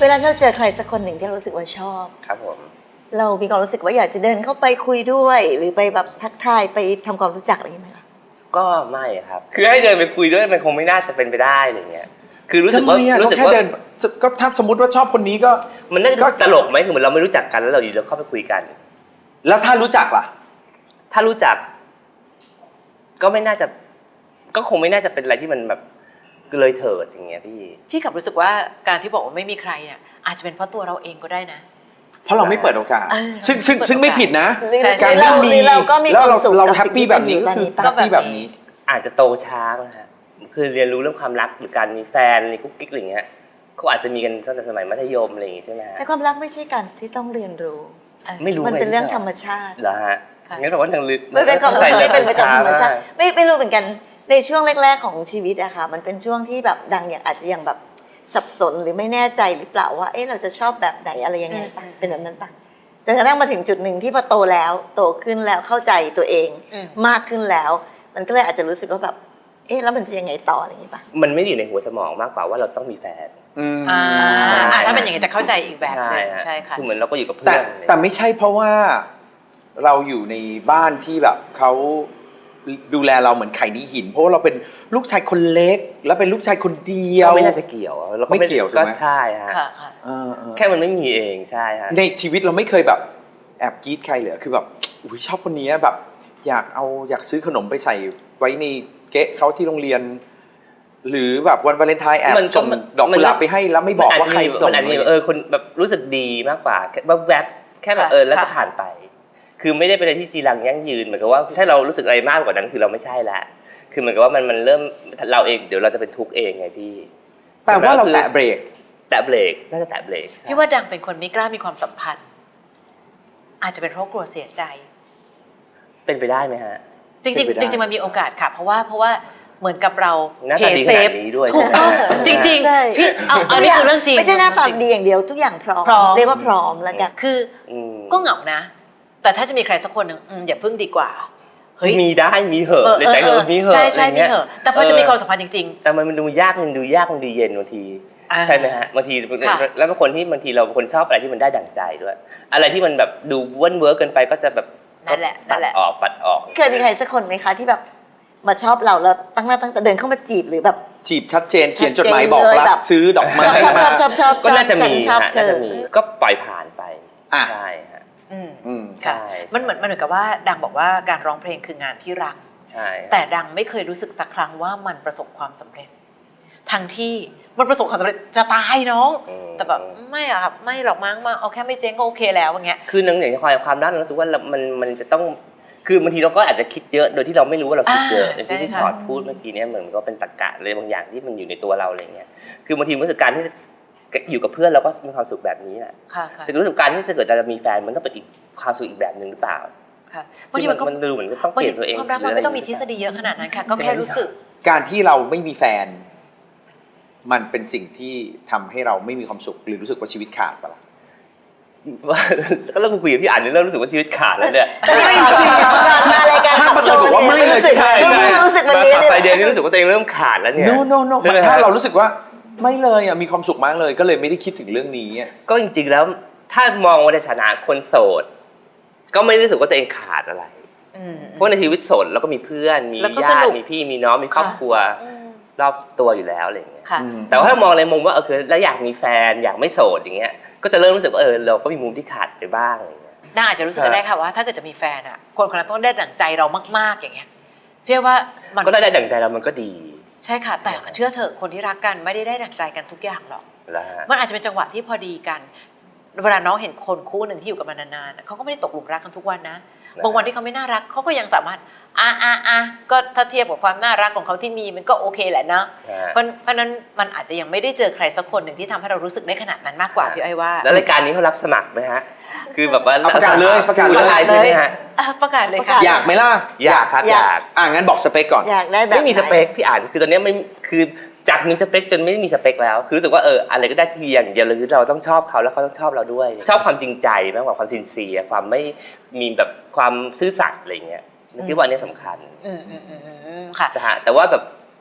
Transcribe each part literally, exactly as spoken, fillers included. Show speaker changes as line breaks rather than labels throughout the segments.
ลาเราเจอใครสักคนหนึ่งที่เรารู้สึกว่าชอบ
ครับผม
เรามีความรู้สึกว่าอยากจะเดินเข้าไปคุยด้วยหรือไปแบบทักทายไปทำความรู้จักอะไรอย่างเงี้ยไหมคะ
ก็ไม่ครับคือให้เดินไปคุยด้วยมันคงไม่น่าจะเป็นไปได้อะไรเงี้ยคือรู้สึกว่ารู้สึกว่า
ก็ถ้าสมมติว่าชอบคนนี้ก็
มันน่าจะตลกไหมคือเหมือนเราไม่รู้จักกันแล้วเราอยู่แล้วเข้าไปคุยกัน
แล้วถ้ารู้จักล่ะ
ถ้ารู้จักก็ไม่น่าจะก็คงไม่น่าจะเป็นอะไรที่มันแบบเลยเถิดอย่างเงี้ยพี่
พี่กลับรู้สึกว่าการที่บอกว่าไม่มีใครเนี่ยอาจจะเป็นเพราะตัวเราเองก็ได้นะ
เพราะเราไม่เปิดโอกาสซึ่งซึ่งซึ่งไม่ผิดนะ
การที่มีเราก็มีความสุข
เราแฮปปี้แบบนี้ก็คือแฮปปี้แบบนี้
อาจจะโตช้านะฮะคือเรียนรู้เรื่องความรักหรือการมีแฟนในกุ๊กกิ๊กอะไรเงี้ยเขาอาจจะมีกันตั้งแต่สมัยมัธยมอะไรอย่างงี้ใช่ไหมฮะ
แต่ความรักไม่ใช่การที่ต้องเรียนรู้
ไม่รู้
มันเป็นเรื่องธรรมชาติ
เหรอฮะงั้นแต่ว่าทางลึก
ไม่เป็นความรู้สึกไม่เป็นไปตามธรรมชาติไม่ไม่รู้เหมือนกันในช่วงแรกๆของชีวิตอะค่ะมันเป็นช่วงที่แบบดังอย่างอาจจะยังแบบสับสนหรือไม่แน่ใจหรือเปล่าว่าเอ๊ะเราจะชอบแบบไหนอะไรยังไงป่ะเป็นแบบนั้นป่ะจนกระทั่งมาถึงจุดหนึ่งที่พอโตแล้วโตขึ้นแล้วเข้าใจตัวเองมากขึ้นแล้วมันก็เลยอาจจะรู้สึกว่าแบบเอ๊ะแล้วมันจะยังไงต่ออะไรอย่างนี้ป่ะ
มันไม่อยู่ในหัวสมองมากกว่าว่าเราต้องมีแฟน
อ่าถ้าเป็นอย่างนี้จะเข้าใจอีกแบบนึงใช่ค่ะ
คือเหมือนเราก็อยู่กับเพื่
อนแต่ไม่ใช่เพราะว่าเราอยู่ในบ้านที่แบบเขาดูแลเราเหมือนไข่ในหินเพราะว่าเราเป็นลูกชายคนเล็กแล้วเป็นลูกชายคนเดียว
ไม่น่าจะเกี่ยว
ไม่เกี่ยวใช่ไหม
ก็ใช่ฮะแค่มันไม่มีเองใช่ฮะ
ในชีวิตเราไม่เคยแบบแอบกรี๊ดใครเลยคือแบบอุ้ยชอบคนนี้แบบอยากเอาอยากซื้อขนมไปใส่ไว้ในเก๊ะเขาที่โรงเรียนหรือแบบวันวาเลนไทน์แอบส่งดอกกุหลาบไปให้แล้วไม่บอกว่าใครส่ง
เออคนแบบรู้สึกดีมากกว่าแบบแวบแค่แบบเออแล้วก็ผ่านไปคือไม่ได้เป็นอะไรที่จีรังยั่งยืนเหมือนกับว่าถ้าเรารู้สึกอะไรมากกว่านั้นคือเราไม่ใช่ละคือเหมือนกับว่ามันมันเริ่มเราเองเดี๋ยวเราจะเป็นทุกข์เองไงพี่
แต่ว่าเราแตะเบรก
แตะเบรกน่าจะแตะเบรก
พี่ว่าดังเป็นคนไม่กล้ามีความสัมพันธ์อาจจะเป็นเพราะกลัวเสียใจ
เป็นไปได้ไหมฮะ
จริงจริงจริงมันมีโอกาสค่ะเพราะว่าเพราะว่าเหมือนกับเรา
เพย์เซฟ
ถูกต้องจริงๆพี่เอาอันนี้คือเรื่องจริง
ไม่ใช่หน้าตาดีอย่างเดียวทุกอย่างพร้อมเรียกว่าพร้อมแล้วกัน
คือก็เหงานะแต่ถ้าจะมีใครสักคนหนึ่งอย่าพึ่งดีกว่า
เฮ้ยมีได้มีเหอะเลยแต่เออมีเหอะ
ใช่ใช่มีเหอะแต่พอจะมีความสัมพันธ์จริง
ๆแต่มันดูยากมันดูยากมันดูเย็นบางทีใช่ไหมฮะบางทีแล้วบางคนที่บางทีเราคนชอบอะไรที่มันได้ดั่งใจด้วยอะไรที่มันแบบดูว่นเวิร์กเกินไปก็จะแบบ
นั่นแหละนั่นแหละ
ออกปัดออก
เคยมีใครสักคนไหมคะที่แบบมาชอบเราแล้วตั้งหน้าตั้งแต่เดินเข้ามาจีบหรือแบบ
จีบชัดเจนเขียนจดหมายบอกรักซื้อดอกไม้
ชอบชอบชอบชอบ
ก็น่าจะมีน่าจะมีก็ปล่อยผ่านไปใช่ฮะ
อืมอืมค่ะมันเหมือนมันเหมือนกับว่าดังบอกว่าการร้องเพลงคืองานที่รัก
ใช่
แต่ดังไม่เคยรู้สึกสักครั้งว่ามันประสบความสำเร็จทั้งที่มันประสบความสำเร็จจะตายน้องแต่แบบไม่อะครับไม่หรอกมั้งมาเอาแค่ไม่เจ๊งก็โอเคแล้วอย่างเงี้ย
คือหนังอย่างความความรักเรารู้สึกว่ามันมันจะต้องคือบางทีเราก็อาจจะคิดเยอะโดยที่เราไม่รู้ว่าเราคิดเยอะอย่างที่พี่ชอตพูดเมื่อกี้นี้เหมือนก็เป็นตรรกะเลยบางอย่างที่มันอยู่ในตัวเราอะไรเงี้ยคือบางทีรู้สึกการที่อยู่กับเพื่อนเราก็มีความสุขแบบนี้แหละแต่รู้สึกการที่จะเกิดจะมีแฟนมันต้องเป็นอีกความสุขอีกแบบนึงหรือเปล่า
ค่ะบางทีมันก็
มันดูเหมือนต้องเปลี่ยนตัวเอง
ความรักมันไม่ต้องมีทฤษฎีเยอะขนาดนั้นค่ะก็แค่รู้สึก
การที่เราไม่มีแฟนมันเป็นสิ่งที่ทำให้เราไม่มีความสุขหรือรู้สึกว่าชีวิตขาดปะล่ะ
ว่าก็เริ่มคุยกับพี่อ่านเนี่ยเริ่มรู้สึกว่าชีวิตขาดแล้วเนี่ย
ไม่สิมารายการ
ถ้ามาบอกว่าไม่เลยใช่
ใช่รู้สึกแบบนี้
เลยไปเดือนนี้รู้สึกว่าตัวเองเริ่มขาดแล้วเนี่ย
no no no ถ้าเรารู้สึกว่าไม่เลยอ่ะมีความสุขมากเลยก็เลยไม่ได้คิดถึงเรื่องนี้
ก็จริงๆแล้วถ้ามองว่าในฐานะคนโสดก็ไม่รู้สึกว่าตัวเองขาดอะไรเพราะในชีวิตโสดเราก็มีเพื่อนมีญาติมีพี่มีน้องมีครอบครัวรอบตัวอยู่แล้วอะไรอย่างเงี้ยแต่ว่าถ้ามองในมุมว่าเออคือแล้วอยากมีแฟนอยากไม่โสดอย่างเงี้ยก็จะเริ่มรู้สึกว่าเออเราก็มีมุมที่ขาดไปบ้างอะไรอย่างเงี้ย
น่าอาจจะรู้สึกได้ค่ะว่าถ้าเกิดจะมีแฟนอ่ะคนคนนั้นต้องได้ดั่งใจเรามากๆอย่างเงี้ยเชื่อว่ามัน
ก็ได้ดั่งใจเรามันก็ดี
ใช่ค่ะแต่เชื่อเถอะคนที่รักกันไม่ได้ได้ดั่งใจกันทุกอย่างหรอกมันอาจจะเป็นจังหวะที่พอดีกันเวลาน้องเห็นคนคู่หนึ่งที่อยู่กันมานานๆเขาก็ไม่ได้ตกหลุมรักกันทุกวันนะบางวันที่เขาไม่น่ารักเขาก็ยังสามารถอ่ะอ่ะอ่ะก็ถ้าเทียบกับความน่ารักของเขาที่มีมันก็โอเคแหละนะเพราะเพราะนั้นมันอาจจะยังไม่ได้เจอใครสักคนหนึ่งที่ทำให้เรารู้สึกได้ขนาดนั้นมากกว่าพี่อ้อยว่า
แล้วรายการนี้เขารับสมัครไหมฮะคือแบบว่า
ประกาศเลยประกาศ
เลยใช่ไหมฮะ
ประกาศเลยค่ะ
อยากไหมล่ะ
อยากครับอยาก
อ่ะงั้นบอกสเปคก่อน
อยากได้แบบ
ไม่มีสเปคพี่อ่านคือตอนนี้ไม่คือจากมีสเปคจนไม่มีสเปคแล้วคือรู้สึกว่าเอออะไรก็ได้ที่อย่างเดียวเลยคือเราต้องชอบเขาแล้วเขาต้องชอบเราด้วยชอบความจริงใจมากกว่าความซินเซียความไม่มีแบบความซื่อสัตย์อะไรเงี้ยคิดว่าอันนี้สำคัญ
อืมอืมอืมค่ะ
แต่ว่าแบบ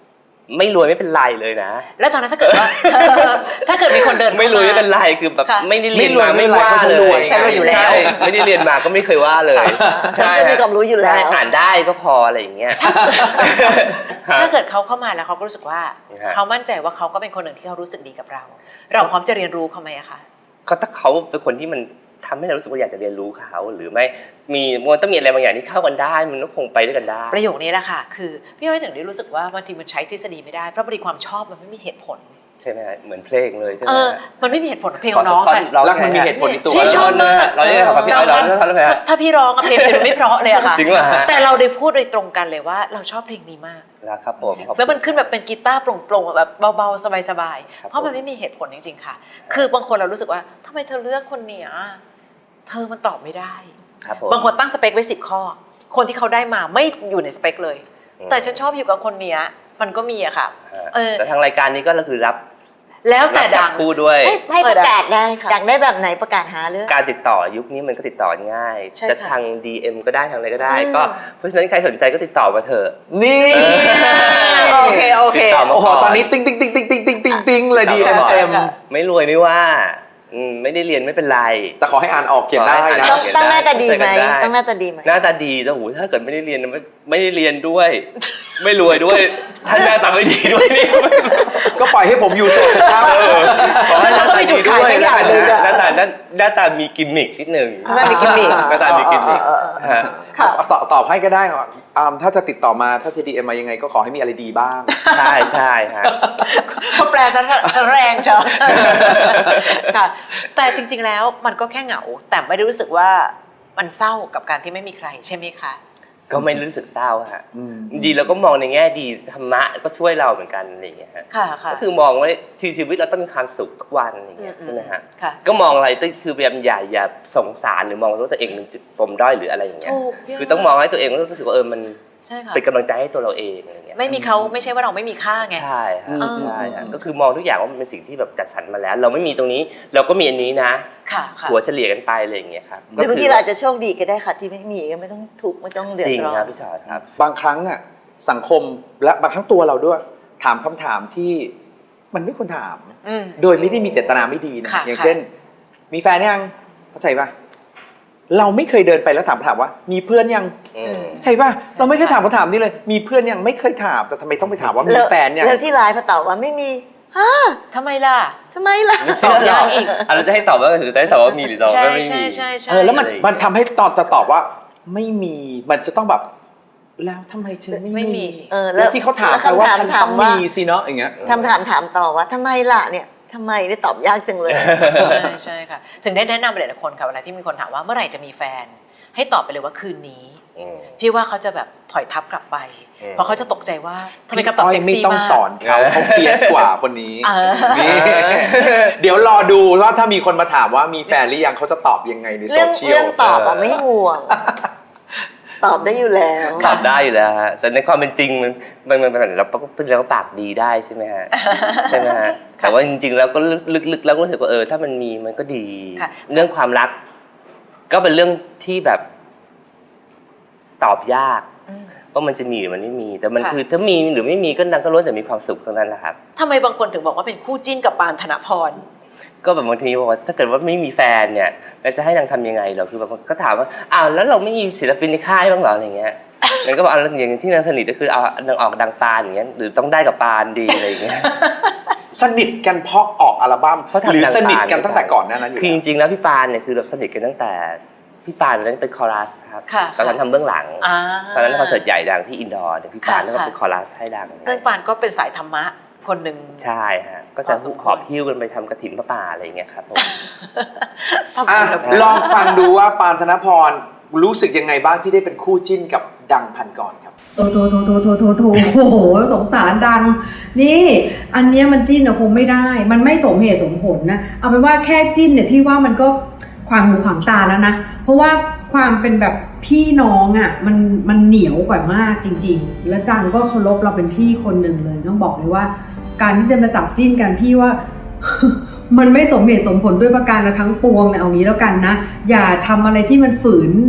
ไม่รวยไม่เป็นไรเลยนะ
แล้วตอนนั้นถ้าเกิดว่า ถ้าเกิดมีคนเดินเข้าา
ไม่รวยไม่เป็นไรคือแบบ
ค่ะ
ไม่ได้เรียนมา
ไม่
ไม่
รวย
ว่า
ไม่
เล
รวย
ย
ใช่รวยอยู่แล้ว
ใช่ไม่ได้เรียนมาก็ไม่เคยว่าเลย
ฉันก็มีความรู้อยู่แล้ว
ใช่อ่านได้ก็พออะไรอย่างเงี้ย
ถ้าเกิดเขาเข้ามาแล้วเขาก็รู้สึกว่า
ฮะ
เขามั่นใจว่าเขาก็เป็นคนหนึ่งที่เขารู้สึกดีกับเรา เราพร้อมจะเรียนรู้เขาไหมอะคะ
ก็ถ้าเขาเป็นคนที่มันทำให้เรารู้สึกว่าอยากจะเรียนรู้เขาหรือไม่มีมันต้องมีอะไรบางอย่างที่เข้ากันได้มันก็คงไปด้วยกันได้
ประโยคนี้แหละค่ะคือพี่อ้อยถึงได้รู้สึกว่าบางทีมันใช้ทฤษฎีไม่ได้เพราะบริความชอบมันไม่มีเหตุผล
ใช่ไหมฮะเหมือนเพลงเลยใช่ไหม
เออ
ฮะ
มันไม่มีเหตุผลเพลงของน้องค่ะ
ร้อง
รักมันมีเหตุผลในตัว
ที่ชอบมาก
เราเรียกครับพี่อ้อยร้องแล้วทำไมฮะ
ถ้าพี่ร้องอะเพลงมันไม่เพราะเลยอะค่ะ
จริงป่ะฮะ
แต่เราได้พูดโดยตรงกันเลยว่าเราชอบเพลงนี้มาก
นะครับผมขอบคุณ
แล้วมันขึ้นแบบเป็นกีตาร์โปร่งๆแบบเบาๆสบาย
ครับ
ๆเพราะมันไม่มีเหตุผลจริงๆค่ะ คือบางคนเรารู้สึกว่าทำไมเธอเลือกคนเนี้ยเธอมันตอบไม่ได้
ครับผม
บางคนตั้งสเปคไว้สิบข้อ คนที่เขาได้มาไม่อยู่ในสเปคเลย
อืม
แต่ฉันชอบอยู่กับคนเนี้ยมันก็มีอะค่ะ
ฮะ
เออ
แต่ทางรายการนี้ก็คือรับ
แล้วแต่
รับจั
ดั
บ
ง
คู่ด้วย
ให้ให้ประกาศได้ค่ะอยากได้แบบไหนประกาศหาเรื่อง
การติดต่อยุคนี้มันก็ติดต่อง่าย
ใช่
จะ
ค่ะ
ทาง ดี เอ็ม ก็ได้ทางอะไรก็ได้
อืม
ก็เพราะฉะนั้นใครสนใจก็ติดต่อมาเถอะ
นี่
โอเคโอเค
ติดต่อมา
โอ้โห
ก่
ตอนนี้ติ๊งติ๊งติ๊งติ๊งติ๊งติ๊งติ๊งติ๊งเลยดีเอ็ม
ค่ะ
เต็ม
ไม่รวยไม่ว่าอืมไม่ได้เรียนไม่เป็นไร
แต่ขอให้อ่านออกเขียนได้นะ
ต้องต้องหน้าตาดีไหม
ได้
ต้องหน้าตาดีไหม
หน้าตาดีแต่โหถ้าเกิดไม่ได้เรียนไม่ไม่ได้เรียนด้วย ไม่รวยด้วยถ้าหน้าตาไม่ดีด้วยนี่
ก็ปล่อยให้ผมอยู่โสดครับ
เออขอให้หน้า
แล้วก็
ตา
มีจุ
ดี
ด
ด้
ขาย
วย
สักอย่างหนึ่งอะ
หน้าตาหน้าหน้าตามีกิมมิคนิดหนึ่ง
หน้าตามีกิมมิค
หน้าตามีกิมมิคฮะ
ค่ะ
ตอบตอบให้ก็ได้อ่ะอ่าถ้าจะติดต่อมาถ้าจะ ดี เอ็ม มายังไงก็ขอให้มีอะไรดีบ้าง
ใช่ใช่ฮะ
เขาแปลซะแรงเชียวค่ะ แต่จริง ๆ แล้วมันก็แค่เหงา แต่ไม่ได้รู้สึกว่ามันเศร้ากับการที่ไม่มีใครใช่ไหมคะ
ก็ไม่รู้สึกเศร้าฮะ
อืม
ดีเราก็มองในแง่ดีธรรมะก็ช่วยเราเหมือนกันอะไรอย่างเงี้ยฮะ
ค่ะค่ะ
ก็คือมองว่าชีวิตเราต้องมีความสุขทุกวันอะไรอย่างเงี้ย
อืม
ใช่ไหมฮะ
ค่ะ
ก็มองอะไรก็คือพยายามอย่าอย่าสงสารหรือมองว่าตัวเองเป็นจุดปมด้อยหรืออะไรอย่างเงี้ย
ถูกพี่
คือต้องมองให้ตัวเองรู้สึกว่าเออมัน
ใช่ค่ะ
เป็นกำลังใจให้ตัวเราเองอะไรเงี้ย
ไม่มีเขาไม่ใช่ว่าเราไม่มีค่าไง
ใช่ฮะ
อืม
ใช่ฮะก็คือมองทุกอย่างว่ามันเป็นสิ่งที่แบบจัดสรรมาแล้ว เราไม่มีตรงนี้เราก็มีอันนี้นะ
ค่ะค่ะ
หัวเฉลี่ยกันไปอะไรอย่างเงี้ยครับ
หรือบางทีเราอาจจะโชคดีก็ได้ค่ะที่ไม่มีก็ไม่ต้องทุกข์ไม่ต้องเดือ
จ
ด
ริง
ร้อ
ครับ
น
พี่ชอตครับ
บางครั้งอ่ะสังคมและบางครั้งตัวเราด้วยถามคำถามที่มันไม่ควรถาม
อืม
โดยไม่ได้มีเจตนาไม่ดีนะ
ค่ะ
อย่าง
ค่ะ
เช่น มีแฟนยังเข้าใจป่ะเราไม่เคยเดินไปแล้วถามถามว่า มีเพื่อนยัง
อืม
ใช่ป่ะ
ใช่
เราไม่เคยถามคำถามนี้เลย มีเพื่อนยังไม่เคยถามแต่ทำไมต้องไปถามว่ามีแฟนยัง
แล้วที่ไลน์พอตอบว่าไม่มีฮะ
ทำไมล่ะ
ทำไมล่ะ
ไม่เชื่อหรอกอ่ะเราจะให้ตอบว่าหรือจะให้ตอบว่ามีหรือตอบ
ใช่
ว่าไม่มี
ใช่ใช่ใช่
เออแล้วมัน
อะไรอย่างเงี้ย
มันทำให้ตอนจะตอบว่า ไม่มีมันจะต้องแบบ แล้วทำไมฉันไม่
ไม่มี
เออ
แล้วที่เขาถาม
แล้ว
แปลว่า
คำถาม
ฉัน
ถา
ต้
ม
อง
ว่า
มีสิเนาะอย่างเงี้ย
คำถามถามต่อว่าทำไมล่ะเนี่ยทำไมได้ตอบยากจังเลย
ใช่ใช่ค่ะ ถึงได้แนะนำไปหลายๆคนค่ะเวลาที่มีคนถามว่าเมื่อไหร่จะมีแฟน ให้ตอบไปเลยว่าคืนนี้
อืม
พี่ว่าเขาจะแบบถอยทับกลับไป
อืม
เพราะเขาจะตกใจว่าทำไมคำตอบ
พี่
เซ็ก
ไม่
ซี่
ต้อง
มาก
สอนเขาเขาเฟียสกว่าคนนี้
เออ
นี่เดี๋ยวรอดูว่าถ้ามีคนมาถามว่ามีแฟนหรือยังเขาจะตอบยังไงในโซ
เรื่อง
เชีย
เรื่
ล
องตอบอะไม่ห่วง ตอบได้อยู่แล้ว
ตอบได้อยู่แล้วฮะแต่ในความเป็นจริงมันมันมันมันเราก็เป็นเราก็ปากดีได้ใช่ไหมฮะ ใช่ไหมฮะแต่ว่าจริงๆแล้วก็ลึกๆแล้วก็รู้สึกว่าเออถ้ามันมีมันก็ดี
ค่ะ
เรื่องความรัก ก็เป็นเรื่องที่แบบตอบยาก
อืม
ว่ามันจะมีหรือมันไม่มี แต่มัน
ค่ะ
คือถ้ามีหรือไม่มีก็นังก็ล้วนแต่มีความสุขทั้งนั้นแหละครับ
ทำไมบางคนถึงบอกว่าเป็นคู่จิ้นกับปานธนพร
ก็แบบบางทีบอกว่าถ้าเกิดว่าไม่มีแฟนเนี่ยเราจะให้นางทำยังไงเหรอคือแบบก็ถามว่าอ้าวแล้วเราไม่มีศิลปินในค่ายบ้างเหรออะไรเงี้ยนางก็บอกเอาอย่างที่นางสนิทก็คือเอานางออกดังปานอย่างเงี้ยหรือต้องได้กับปานดีอะไรอย่างเงี้ย
สนิทกันเพราะออกอัลบั้ม
เพราะทำ
หรือ
ดัง
สนิทกัน
ปาน
ตั้งแต่ก่อนหน้านั้นอยู่
คือจ
แล้ว
ริงๆแล้วพี่ปานเนี่ยคือเราสนิทกันตั้งแต่พี่ปานตอนนั้นเป็นคอรัสครับ
ค่ะ
ตอนนั้นทำเบื้องหลัง
อ่า
ตอนนั้นคอนเสิร์ตใหญ่ดังที่อินดอร์เนี่ยพี่ปาน
ค่ะ
ก็เป็นคอรัสให้ดัง
เรื่องปานก็เป็นสายธรรมะคนหนึ่ง
ใช่ฮะก็จะ
พอสมควร
ขอบหิ้วกันไปทำกฐินพระป่าอะไรอย่างเงี้ยครับผม
ทำ
อ่ะ
บุญกับ
ลองฟังดูว่าปานธนพรรู้สึกยังไงบ้างที่ได้เป็นคู่จิ้นกับดังพันกรครับ
โถโถโถโถโถโถโถโอ้โหสงสารดัง นี่อันเนี้ยมันจิ้นอะคงไม่ได้ มันไม่สมเหตุสมผลนะเอาเป็นว่าแค่จิ้นเนี่ยพี่ว่ามันก็ขวางหูขวางตาแล้วนะเพราะว่าความเป็นแบบพี่น้องอะมันมันเหนียวกว่ามากจริงๆ แล้วดังก็เคารพเราเป็นพี่คนหนึ่งเลยต้องบอกเลยว่า การที่จะมาจับจิ้นกันพี่ว่า มันไม่สมเหตุสมผลด้วยประการละทั้งปวงเนี่ยเอางี้แล้วกันนะอย่าทำอะไรที่มันฝืน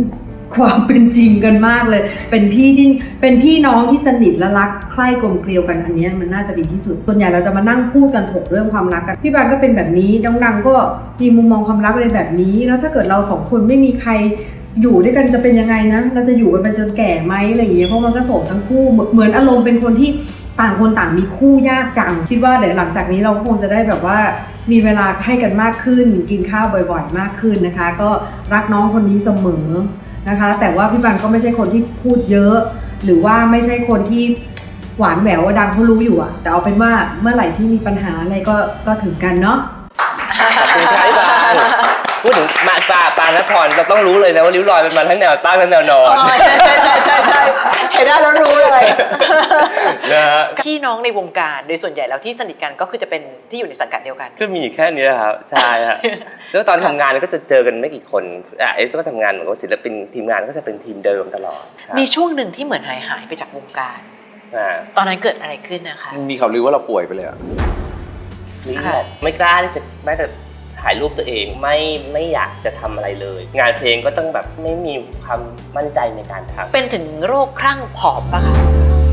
ความเป็นจริงกันมากเลย เป็นพี่ที่เป็นพี่น้องที่สนิทและรักใคร่กลมเกลียวกันอันนี้มันน่าจะดีที่สุดส่วนใหญ่เราจะมานั่งพูดกันถกเรื่องความรักกันพี่บานก็เป็นแบบนี้น้องดังก็มีมุมมองความรักในแบบนี้แล้วถ้าเกิดเราสองคนไม่มีใครอยู่ด้วยกันจะเป็นยังไงนะเราจะอยู่กันไปจนแก่ไหมอะไรอย่างเงี้ยเพราะมันก็โสดทั้งคู่เหมือนอารมณ์เป็นคนที่ต่างคนต่างมีคู่ยากจังคิดว่าเดี๋ยวหลังจากนี้เราคงจะได้แบบว่ามีเวลาให้กันมากขึ้นกินข้าวบ่อยๆมากขึ้นนะคะก็รักน้องคนนี้เสมอนะคะแต่ว่าพี่บันก็ไม่ใช่คนที่พูดเยอะหรือว่าไม่ใช่คนที่หวานแหววดังเขารู้อยู่อะแต่เอาเป็นว่าเมื่อไหร่ที่มีปัญหาอะไรก็ก็ถึงกันเนาะ
ขอบคุณครับพี่บานพูดถึงมาปาปานครเราต้องรู้เลยนะว่าริ้วรอยเป็นมาทั้งแนวตั้งและแนวนอน
ใช่ใช่ใช่ใช่ใช่เห็นได้แล้วรู้เลย
นะฮะ
พี่น้องในวงการโดยส่วนใหญ่แล้วที่สนิทกันก็คือจะเป็นที่อยู่ในสังกัดเดียวกัน
ก็มีแค่นี้ครับใช่ฮะแล้วตอนทำงานก็จะเจอกันไม่กี่คนอ่ะเอสก็ทำงานเหมือนกับศิลปินทีมงานก็จะเป็นทีมเดิมตลอดครับ
มีช่วงหนึ่งที่เหมือนหายหายไปจากวงการ
อ่า
ตอนนั้นเกิดอะไรขึ้นนะคะ
มีข่าวลือว่าเราป่วยไปเลยอะ
นี่แบบไม่กล้าที่จะแม้แต่ถ่ายรูปตัวเองไม่ไม่อยากจะทำอะไรเลย งานเพลงก็ต้องแบบไม่มีความมั่นใจในการทำ
เป็นถึงโรคคลั่งผอมปะคะ